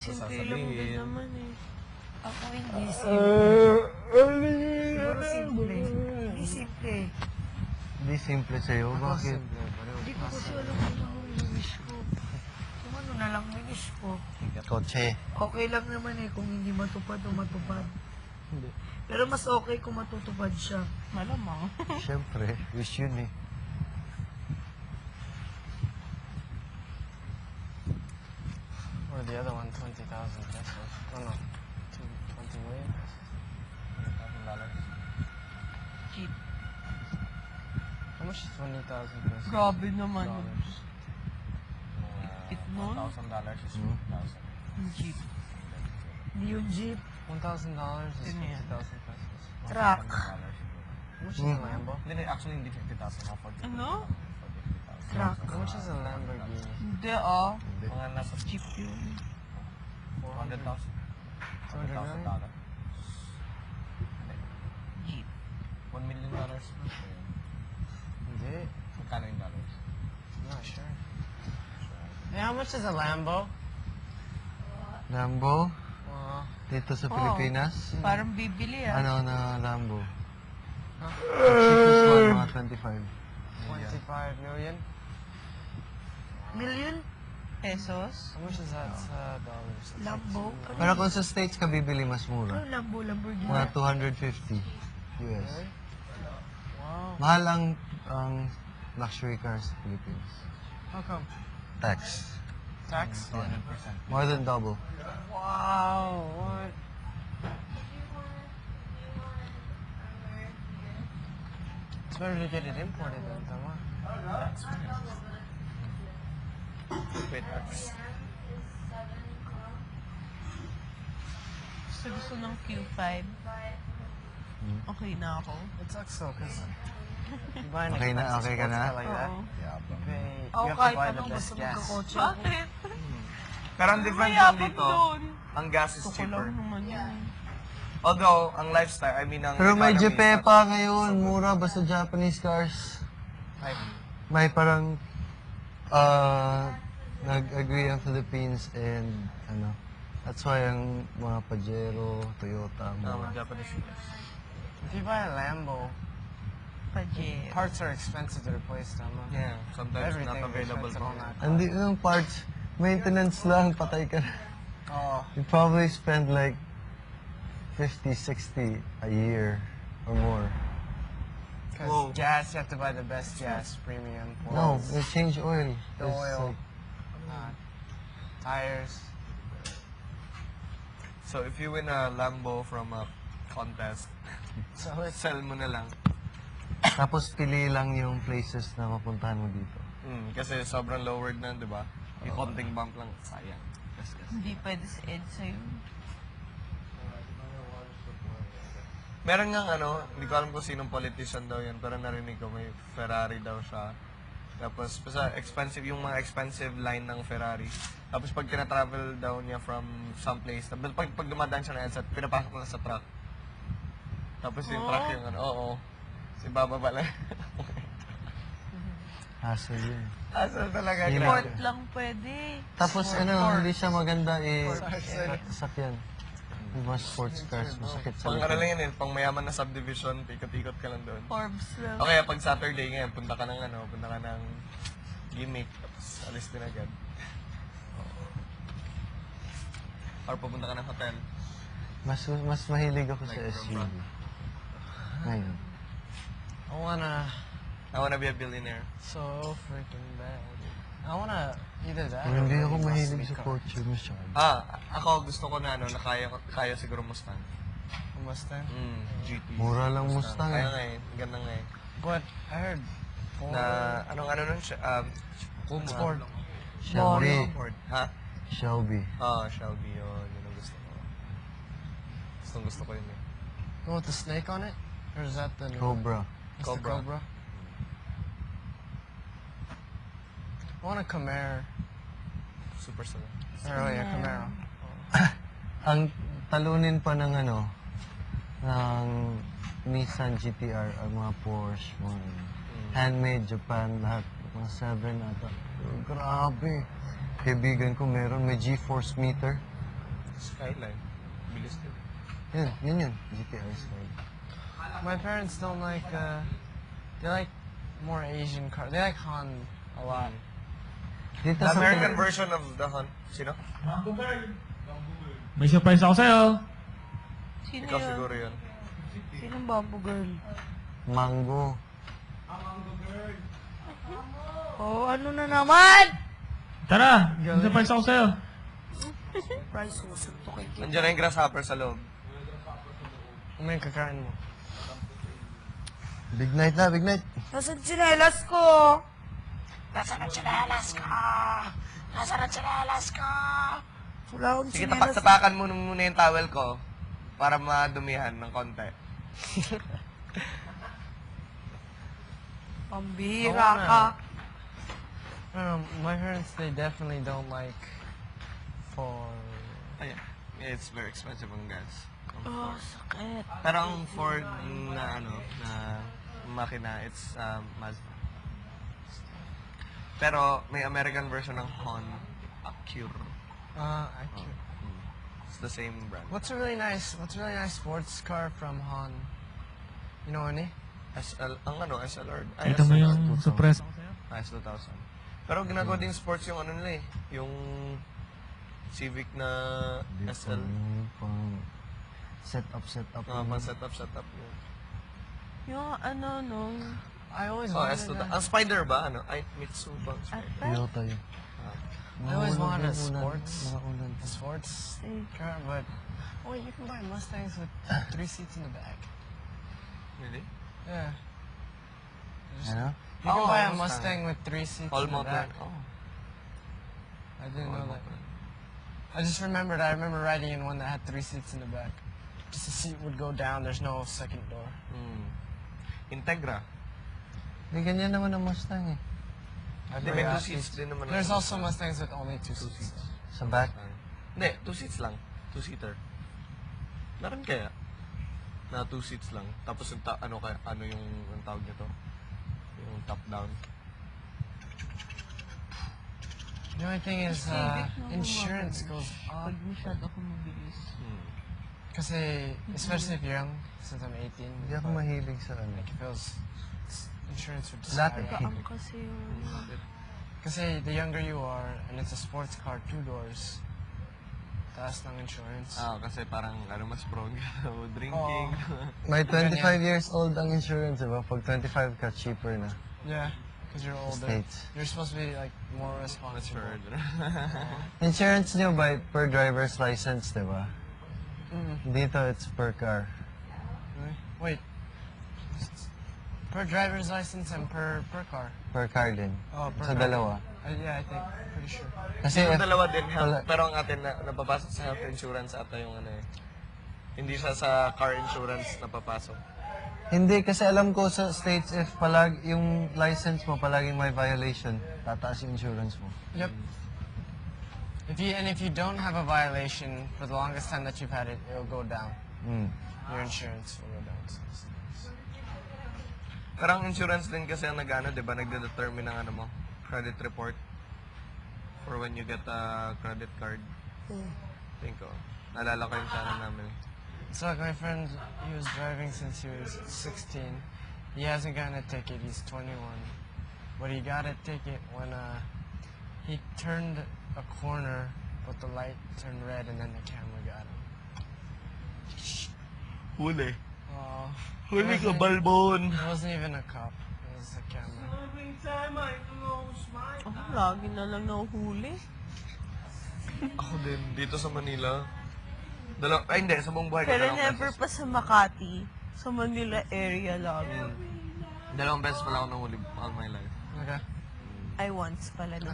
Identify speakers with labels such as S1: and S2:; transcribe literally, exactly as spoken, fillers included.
S1: Simple lang din naman eh.
S2: Ako hindi simple. Siguro simple. Hindi simple.
S3: Hindi simple sa'yo. Bakit?
S2: Hindi ko kasi alam kung ano yung wish ko. Kung ano na lang yung wish ko.
S3: Kotse.
S2: Okay lang naman eh kung hindi matupad o matupad.
S3: Hindi.
S2: Pero mas okay kung matutupad siya.
S1: Malamang.
S3: Siyempre, wish yun eh.
S4: Or the other one, twenty thousand pesos. Oh no, two, twenty million pesos. twenty thousand dollars.
S1: Cheap.
S4: How much is twenty thousand pesos?
S1: Grabe naman.
S4: Dollars.
S1: It nun?
S4: One thousand dollars is
S3: Hmm?
S4: fifty thousand.
S1: Cheap.
S2: Hindi yung jeep.
S4: One thousand dollars is
S1: Yun yan.
S4: fifty thousand pesos.
S2: Truck.
S4: How much is
S3: Hmm.
S4: a Lambo?
S5: Hindi, actually hindi fifty thousand. Ako forty.
S1: Ano?
S2: Truck.
S4: How much is a Lamborghini?
S1: Hindi ah.
S5: Mga nasa
S1: Cheap yun.
S5: four hundred thousand.
S4: Two hundred million?
S5: dollars.
S1: Jeep.
S5: one million dollars.
S4: Hindi.
S5: Magkano yung dollars?
S4: Not sure. Hey, how much is a Lambo?
S3: Lambo?
S4: Uh,
S3: Dito sa
S1: Oo.
S3: Pilipinas?
S1: Parang bibili ah.
S3: Ano na Lambo?
S4: Huh?
S3: The cheapest one, mga twenty-five.
S4: twenty-five million?
S2: Million?
S1: Pesos?
S4: How much is that sa dollars? That's like
S2: Lambo?
S4: two-
S3: Pero kung sa States ka bibili, mas
S2: Ano
S3: mura.
S2: Lambo? Lamborghini?
S3: Mga two hundred fifty U S.
S4: Really? Wow.
S3: Mahal ang, ang luxury cars sa Philippines.
S4: How come?
S3: Tax.
S4: Tax?
S5: one hundred percent.
S3: More than double.
S4: Wow, what? It's better to get it imported than tama.
S5: Wait, that's...
S1: Gusto gusto ng Q five. Okay na ako.
S4: It sucks though, cause you buy an
S3: Okay na-
S4: expensive
S3: okay ka
S4: sports
S3: na?
S4: car like that.
S1: Oo.
S4: You pay.
S2: Ako
S4: You have to
S2: kahit
S4: buy the
S2: anong
S4: best
S2: basta
S4: gas.
S2: magkakotse ako.
S1: Bakit?
S5: Pero ang difference lang
S1: Mayabang
S5: dito,
S1: doon.
S5: ang gas is
S1: Gusto ko
S5: cheaper.
S1: lang naman yun.
S5: Although, ang lifestyle, I mean, ang
S3: Pero may
S5: economy is
S3: Jepe
S5: not-
S3: pa ngayon. Mura basta Japanese cars.
S5: Ay,
S3: May parang uh, nag-agree ang Philippines and ano, that's why ang mga Pajero, Toyota,
S5: no,
S3: mga
S5: Japanese cars.
S4: If you buy a Lambo,
S1: Pajero.
S4: parts are expensive to replace, tama.
S5: Yeah, sometimes
S4: Everything
S5: not available
S4: expensive
S5: pa.
S4: on that.
S3: Hindi yung parts, maintenance lang, patay ka na.
S4: Oh,
S3: You probably spend like fifty, sixty a year or more.
S4: because
S5: Whoa.
S4: gas, you have to buy the best gas, premium.
S3: No,
S4: oils,
S3: you change oil.
S4: the
S3: It's
S4: oil,
S3: like-
S4: uh, tires.
S5: So, if you win a Lambo from a contest,
S4: So it's
S5: sell mo na lang.
S3: tapos pili lang yung places na mapuntahan mo dito.
S5: Mm, kasi sobrang lowered na, di ba? Yung konting bump lang, sayang. Gas, gas.
S1: Hindi pwede sa EDSA yun.
S5: Meron nga ano, hindi ko alam kung sinong politician daw yan, pero narinig ko may Ferrari daw siya. Tapos, basta expensive, yung mga expensive line ng Ferrari. Tapos pag tina-travel daw niya from some place, tapos pag, pag dumadaan siya na yan, sa- pinapasok na sa truck. Tapos yung truck yung ano, oo. Si Baba pala.
S3: Hassle yun.
S5: Asal talaga,
S3: Hindi
S5: grabe.
S1: Port lang pwede.
S3: Tapos ano, hindi siya maganda eh, sasakyan. Yung mga sports cars, masakit sa
S5: Pang ano
S3: likod.
S5: lang yan eh, pang mayaman na subdivision, ikot-ikot ka lang doon.
S1: Forbes lang.
S5: O kaya pag Saturday ngayon, punta ka ng ano, punta ka ng gimmick, tapos alis din agad. Or pupunta ka ng hotel.
S3: Mas mas mahilig ako sa
S5: Like
S3: S U V.
S5: from front.
S3: Ngayon.
S4: I wanna
S5: I wanna be a billionaire.
S4: so freaking bad. I wanna either that.
S3: Pero
S4: or
S3: hindi ako
S4: really
S3: mahilig
S4: muscle
S3: sa
S4: car.
S3: kotse masyado.
S5: Ah, ako gusto ko na ano, na kaya, kaya siguro Mustang.
S4: A Mustang.
S5: Mm, G T.
S3: Mura lang Mustang
S5: Kaya
S3: eh.
S5: nga eh, ganda nga eh.
S4: But I heard Ford.
S5: Na, anong ano nun siya, um, Puma.
S4: Ford.
S3: Shelby.
S5: Ford. Ha?
S3: Shelby.
S5: Ah, Shelby yun. Yun ang gusto ko. Gustong gusto ko yun eh.
S4: The one with the snake on it? Or is that the new
S3: Cobra.
S4: It's the
S5: Cobra.
S4: Cobra? I want a Camaro.
S5: Super sala.
S4: Or, oh, yeah, Camaro.
S3: Ang talunin pa ng ano, ng Nissan G T R, ang mga Porsche, mga handmade Japan, lahat. Mga seven ata. Grabe. Kaibigan ko meron, may G-force meter.
S5: Skyline. Bilis din.
S3: Yun, yun yun. G T R Skyline.
S4: My parents don't like, uh, they like more Asian cars. They like Han a lot.
S3: Dito
S5: The
S3: sa
S5: American version of the Hunt. Sino?
S6: May surprise ako sa'yo.
S2: Sino
S5: Ikaw
S2: yun?
S5: siguro yun.
S2: Sinong Bamboo Girl?
S3: Mango.
S2: Oh, ano na naman?
S6: Tara, may surprise ako sa'yo.
S2: Price, susuntukin kita.
S5: Nandiyan na yung grasshopper sa loob.
S4: Ano yung kakain mo?
S3: Big night na, big night.
S2: Nasaan tsinelas ko? Nasaan ang tsinelas ko? Nasaan ang tsinelas ko? Wala akong
S5: Sige,
S2: tsinelas.
S5: tapak-tapakan mo muna yung towel ko para madumihan ng konti.
S2: Pambira
S4: Oo
S2: ka.
S4: Um, my parents, they definitely don't like for...
S5: Ayan. Yeah, it's very expensive ang gas.
S2: Oh, sakit.
S5: Pero ang Ford na ano, na makina, it's um, Mazda. Pero may American version ng Hon Acura.
S4: Uh, I can't.
S5: It's the same brand.
S4: What's a really nice, what's a really nice sports car from Han? You know any?
S5: S L, ang ano, S L R. Ay,
S6: Ito mo
S5: S L R
S6: yung surprise ako sa'yo.
S5: Ah, S two thousand. Pero ginagawa din sports yung ano nila eh. Yung Civic na S L.
S3: Yung pang set up, set up.
S5: Uh, pang setup, setup. Yun.
S1: Yung ano nung...
S4: I always
S5: Oh,
S4: wanted
S5: S two
S4: a,
S5: thousand. Ang Spider ba? Ano? Ay, Mitsu ba? ang Spider?
S1: Ata?
S3: Toyota yun.
S4: I always
S3: Mga
S4: wanted a
S3: ulan,
S4: sports,
S3: Mga ulan.
S4: a sports car, but oh, you can buy Mustangs with three seats in the back.
S5: Really?
S4: Yeah. Just-
S3: Ano?
S4: You can
S5: Oh,
S4: buy a
S5: Mustang.
S4: Mustang with three seats
S5: All
S4: in the
S5: motor.
S4: back.
S5: Oh.
S4: I didn't
S5: All
S4: know that.
S5: motor.
S4: I just remembered. I remember riding in one that had three seats in the back. Just the seat would go down. There's no second door.
S5: Hmm. Integra.
S3: Hindi, ganyan naman ang Mustang eh.
S5: Hindi, may two seats din naman.
S4: There's
S5: ang
S4: also
S5: Mustang.
S4: Mustangs with only two
S5: Two
S4: seats.
S5: seats.
S3: Sa back.
S5: Hindi, two seats lang. Two-seater. Meron kaya? Na two seats lang. Tapos yung ta- ano kaya, ano yung ang tawag nito? Yung top down.
S4: The only thing is, uh, insurance goes up.
S1: Pag masyado ako mabilis.
S5: Hmm.
S4: Kasi, especially if you're young, since I'm eighteen,
S3: Hindi ako mahilig sa ano.
S4: like it feels, insurance would
S3: Dati.
S4: skyrocket.
S1: Ang kasi yung...
S4: Kasi the younger you are, and it's a sports car, two doors, taas ng insurance.
S5: Ah, kasi parang ano mas prone ka drinking.
S3: May twenty-five years old ang insurance, diba? Pag twenty-five ka, cheaper na.
S4: Yeah, because you're older.
S3: States.
S4: You're supposed to be like more responsible.
S5: Matured.
S3: Insurance nyo by per driver's license, diba?
S4: Mm.
S3: Dito, it's per car.
S4: Really? Wait. Per driver's license and per per car.
S3: Per car din.
S4: Oh, per
S3: Sa
S4: car.
S3: dalawa.
S4: Uh, yeah, I think. Pretty sure.
S3: Kasi
S5: Yung
S3: if,
S5: dalawa din health,
S3: Wala.
S5: pero ang atin na napapasok sa health insurance ata yung ano eh. Hindi siya sa car insurance napapasok.
S3: hindi, kasi alam ko sa States, if palag, yung license mo palaging may violation, tataas yung insurance mo.
S4: Yep. If you and if you don't have a violation for the longest time that you've had it, it'll go down.
S3: Mm.
S4: Your insurance will go down. So it's nice.
S5: Pero ang insurance din kasi ang nag-ano, di ba, nagde-determine ng ano mo, credit report for when you get a credit card. Think ko. Naalala ko yung sana namin. eh.
S4: So like my friend, he was driving since he was sixteen. He hasn't gotten a ticket. He's twenty-one, but he got a ticket when uh, he turned a corner, but the light turned red, and then the camera got him.
S5: Huli.
S4: Oh,
S5: Huli ka, balbon!
S4: it wasn't even a cop. It was the camera.
S1: Ako lagi na lang nahuhuli.
S5: Ako din, dito sa Manila. Dalaw ay hindi, sa buong buhay ko.
S1: Pero
S5: dalawang
S1: never
S5: beses.
S1: pa sa Makati. Sa Manila area lang.
S5: Dalawang beses pala ako nahuli all my life.
S4: Okay.
S1: Ay, once pala na.